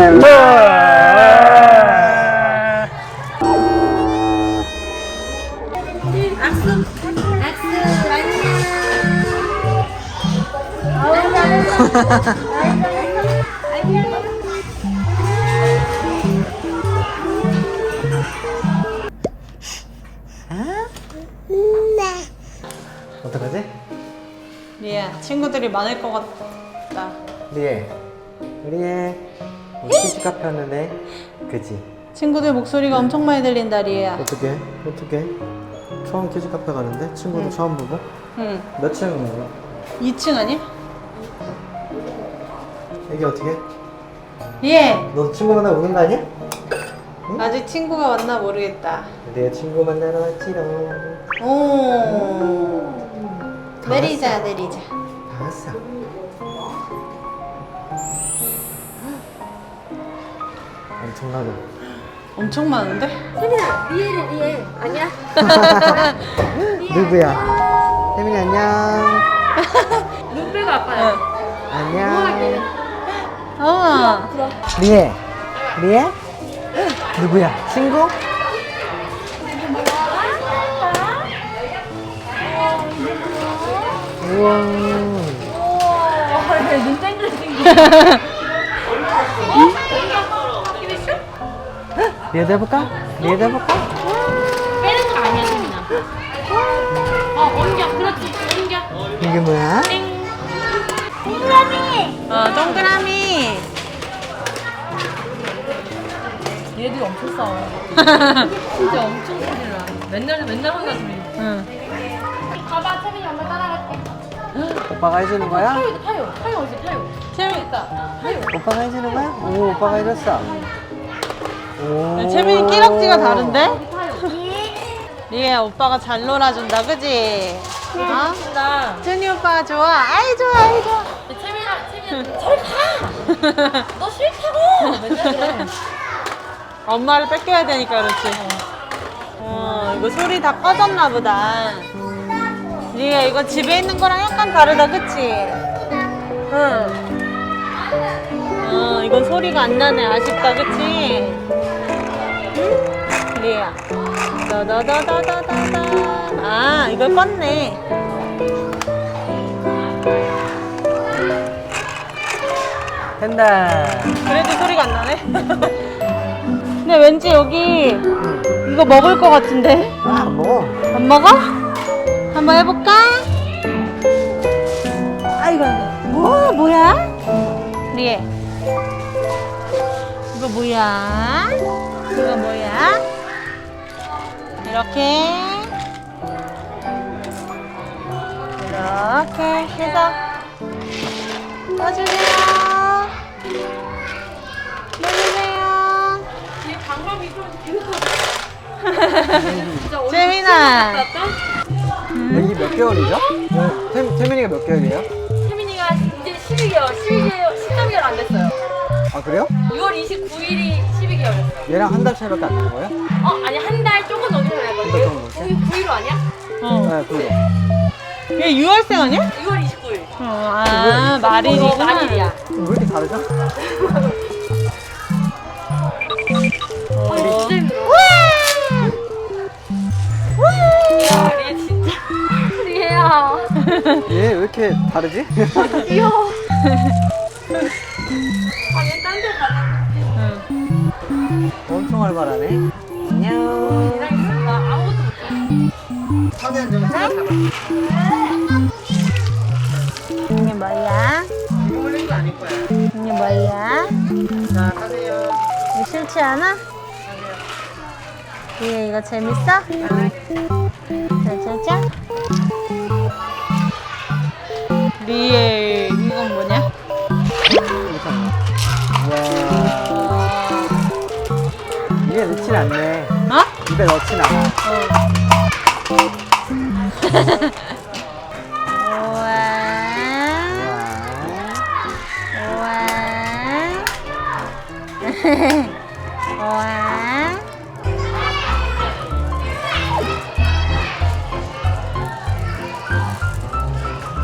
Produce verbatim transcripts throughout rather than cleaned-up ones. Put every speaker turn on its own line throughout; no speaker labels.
악수, 악수, 안녕.
어떡하지?
리에 친구들이 많을 것 같다.
리에 리에 우리 키즈 카페 왔는데 그치?
친구들 목소리가 엄청 많이 들린다 리에야.
어떡해? 어떡해? 처음 키즈 카페 가는데 친구도
응.
처음 보고
응.
몇 층인 거야?
이 층 아니?
이게 어떻게?
리에
너 친구 만나러 오는 거 아니야? 응?
아직 친구가 왔나 모르겠다.
내 친구 만나러 왔지롱.
오.
다
내리자
왔어.
내리자.
다 왔어. 엄청나게.
엄청 많은데?
세민아, 리에는 리에. 아니야?
누구야? 혜민이 안녕.
눈 빼고 아빠야.
안녕.
어.
리에. 리에? 누구야? 친구? 우와.
눈 땡글땡글.
리에도 해볼까? 리에도 해볼까?
빼는 거 아니야, 세민아. 어, 옮겨. 그렇지. 옮겨.
이게 뭐야?
동그라미.
어 동그라미.
얘들이 엄청 싸워. 진짜 엄청 소리를 나. 맨날 맨날 혼나주면.
응.
가봐, 세민이 엄마 따라갈게.
오빠가 해주는 거야?
타요, 타요, 타요 어디 타요?
재밌다.
타요.
오빠가 해주는 거야? 오, 오빠가 해줬어. 오.
채민이 끼럭지가 다른데?
타요.
리에 오빠가 잘 놀아준다 그지? 어?
나.
준이 오빠가 좋아. 아이 좋아 아이 좋아.
세민아, 세민아, 저리 가. 너 싫다고. 맨날 그래.
엄마를 뺏겨야 되니까 그렇지. 어 이거 소리 다 꺼졌나 보다. 리에 이거 집에 있는 거랑 약간 다르다 그치? 응. 어 이건 소리가 안 나네. 아쉽다 그치? 응? 리에야. 다다다다다다다. 아 이걸 껐네.
된다.
그래도 소리가 안 나네. 근데 왠지 여기 이거 먹을 것 같은데?
아, 안 먹어.
안 먹어? 한번 해볼까? 아이고, 뭐, 뭐야? 리에. 이거 뭐야? 이거 뭐야? 이렇게. 이렇게 해서 떠주세요. 떠주세요.
얘 방광이 좀 계속. 진짜 어디
재민아.
애기 몇 개월이죠? 태, 태민이가 몇 개월이에요?
세민이가 이제 십이 개월, 십이 개월, 십삼 개월 안 됐어요.
아, 그래요?
유월 이십구일이 십이 개월이었어요.
얘랑 한 달 차이밖에 안 나는 거예요?
어, 아니 한 달 조금 넘게
한달
살거든요.
조금 넘게?
거기 구일로 아니야?
어.
네, 그래요.
얘 유월생 아니야?
유월 이십구일.
어, 아, 말일이구나.
어, 말일이야.
왜 이렇게 다르죠?
어, 이거 진짜 힘들어. 야, 얘 진짜. 얘야.
얘 왜 이렇게 다르지?
귀여워. 아, 얘 딴 데 가는
엄청 활발하네. 안녕.
얘랑 있으면 나 아무것도 못해.
화면 좀 찾아봐.
이게 뭐야?
이거 거 아닐 거야.
이게 뭐야?
자, 가세요.
이거 싫지 않아? 얘 이거 재밌어? 짜자자. 리에 이건 뭐냐?
와. 입에 넣진 않네.
어?
입에 넣진 않아.
우와. 우와. 우와.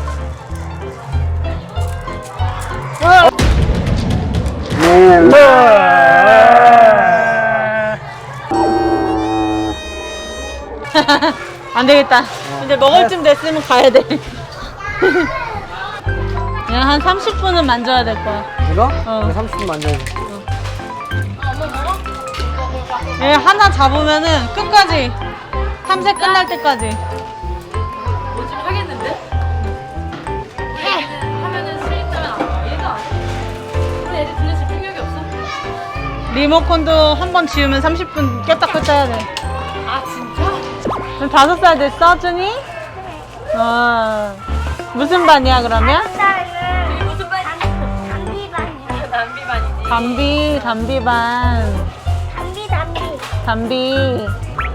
와.
안 되겠다. 이제 먹을 쯤 됐으면 가야 돼. 그냥 한 삼십 분은 만져야 될 거야.
이거?
어.
이거 삼십 분 만져야 돼.
얘 하나 잡으면은 끝까지 탐색 끝날 때까지.
뭐 좀 하겠는데? 우리 애들 하면은 스윙하면 안 돼. 얘도 안 해. 우리 애들 들려 집중력이 없어.
리모컨도 한 번 지우면 삼십 분 꼈다 꼈다 해야 돼.
아 진짜?
그럼 다섯 살 됐어, 준이? 어. 무슨 반이야 그러면?
이게 무슨 반이야?
담비반이요.
남비반이지.
담비, 담비반.
담비 담비.
담비.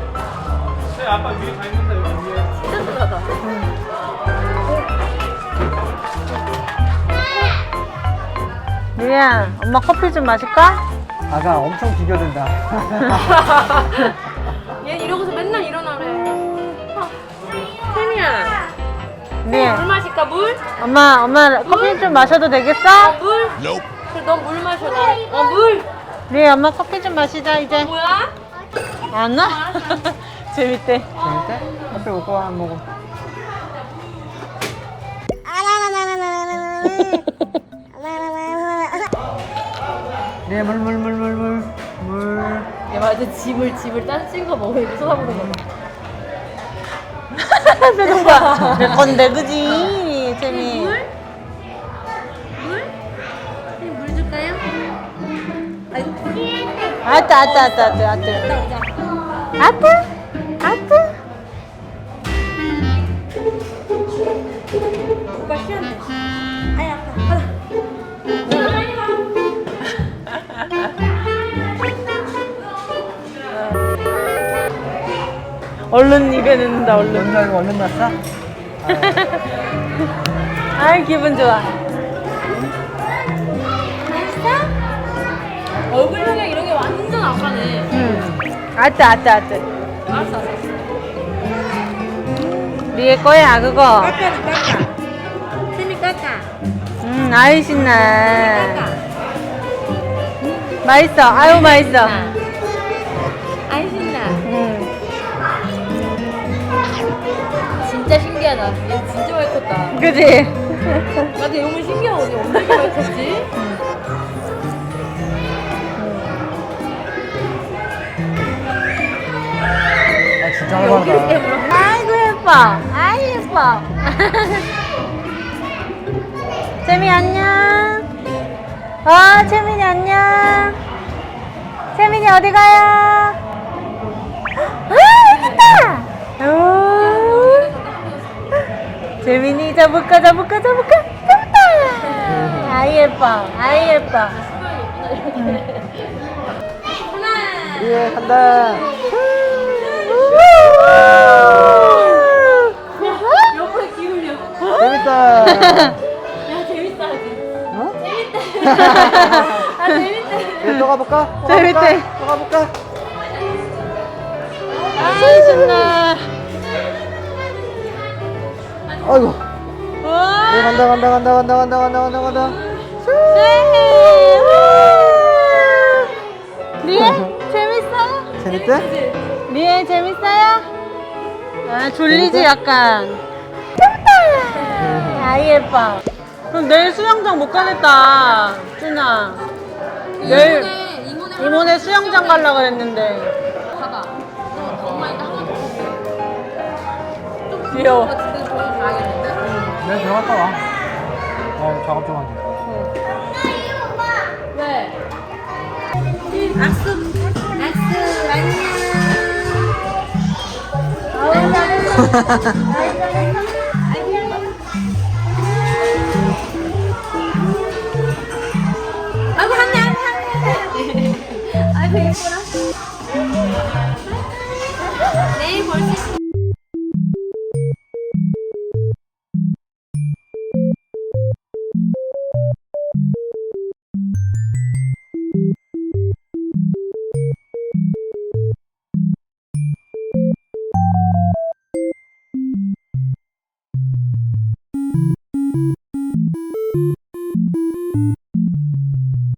진짜 잘하다.
리야, 엄마 커피 좀 마실까?
아가 엄청 비교된다.
얘 이러고서 맨날 일어나래. 아, 태미야,
리야,
물 마실까 물?
엄마, 엄마 커피 좀 마셔도 되겠어?
어, 물? 그래 너 물 마셔. 나. 어 물.
리야, 엄마 커피 좀 마시자 이제.
뭐야?
안 와? 재밌대.
재밌대? 커피 먹고 와, 안 먹어. 네, 물, 물, 물, 물, 물, 물.
얘 맞아 집을 집을 딴친거 먹으니까 쳐다보는 거.
표정 봐. 내 건데 그지? 재미.
물? 물? 물 줄까요?
아따 아따 아따 아따 아따. 아따 아따.
오빠 쉬었네. 아야 아파.
얼른 입에 넣는다 얼른.
먼저 이거 얼른 났어?
아이 기분 좋아.
얼굴형이랑 이런 게 완전 아까네.
응. 아따 아따 아따.
알았어 알았어.
리에 거야 그거.
깎아는 깎아. 세미 깎아.
음 아이 신나.
깎아.
맛있어. 아유 맛있어.
안 신나.
응.
진짜 신기하다. 얘 진짜 많이 컸다.
그지?
나도 이런 신기하고 언니 엄청 많이 컸지?
아, 진짜
여기
활발하다.
때문에.
아이고 예뻐. 아이 예뻐. 채미 안녕. 어 채민이 안녕. 채민이 어디 가요? 아 여기 있다. 오. 재민이 잡을까 잡을까 잡을까 잡았다. 아이 예뻐. 아이 예뻐.
예, 간다.
옆에 기울여.
재밌다.
야 재밌다 하지.
어?
아 재밌다.
예, 또 가볼까? 또
재밌대.
가볼까? 또 가볼까?
아이 신나.
아이고.
와.
예, 간다, 간다, 간다, 간다, 간다, 간다, 간다, 간다.
리에 재밌어요?
재밌대?
리에 재밌어요? 아 졸리지 약간. 재밌다. 아 예뻐. 그럼 내일 수영장 못 가겠다, 준아. 내일
이모네
이모네 수영장 가려고 그랬는데.
봐봐. 너 엄마 이따 한번 좀
귀여워.
같은데 저기 가야겠는데?
내가 들어갔다 와. 어, 작업 좀 하게.
왜? 악수 악수 안녕. 아우 잘했어. 아이고 한대 한대 한대. 아이고 예뻐라. 내일 볼 수 있어.